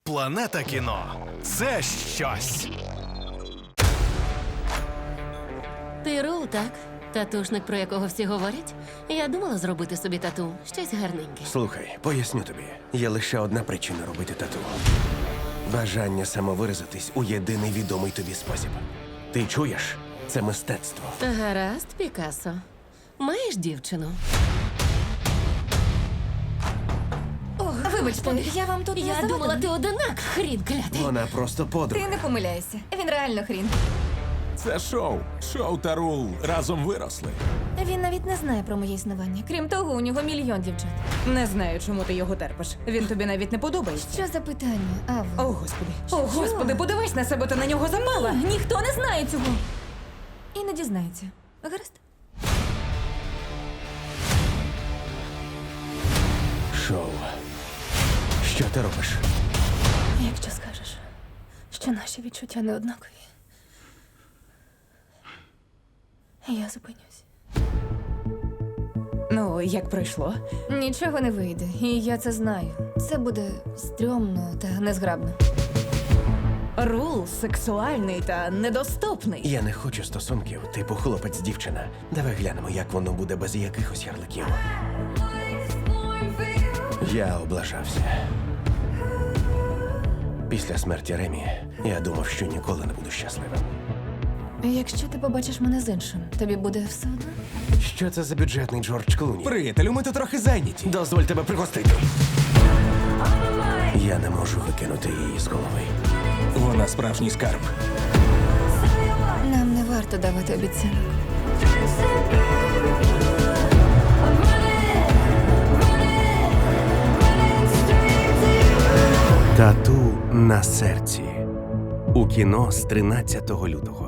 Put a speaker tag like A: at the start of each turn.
A: Планета кіно – це щось.
B: Ти Рул, так? Татушник, про якого всі говорять? Я думала зробити собі тату. Щось гарненьке.
C: Слухай, поясню тобі. Є лише одна причина робити тату. Бажання самовиразитись у єдиний відомий тобі спосіб. Ти чуєш? Це мистецтво.
B: Гаразд, Пікассо. Маєш дівчину?
D: Вибачте, я вам тут не
B: Я
D: завадила?
B: думала, ти одинак, хрін клятий.
C: Вона просто подруга.
D: Ти не помиляйся. Він реально хрін.
E: Це шоу. Шоу та Рул разом виросли.
D: Він навіть не знає про моє існування. Крім того, у нього мільйон дівчат.
F: Не знаю, чому ти його терпиш. Він тобі навіть не подобається.
D: Що за питання, Ава?
F: О, господи. О, господи, подивись на себе, ти на нього запала.
D: Ніхто не знає цього. І не дізнається. Гаразд?
C: Шоу. Що ти робиш?
D: Якщо скажеш, що наші відчуття не однакові, я зупинюсь.
F: Ну, як пройшло?
D: Нічого не вийде, і я це знаю. Це буде стрьомно та незграбно.
F: Рул сексуальний та недоступний.
C: Я не хочу стосунків, типу хлопець-дівчина. Давай глянемо, як воно буде без якихось ярликів. Я облажався. Після смерті Ремі я думав, що ніколи не буду щасливим.
D: Якщо ти побачиш мене з іншим, тобі буде все одно?
C: Що це за бюджетний Джордж Клуні?
E: Приятелю, ми тут трохи зайняті.
C: Дозволь тебе пригостити. Я не можу викинути її з голови.
E: Вона справжній скарб.
D: Нам не варто давати обіцянок.
C: Тату на серці. У кіно з 13 лютого.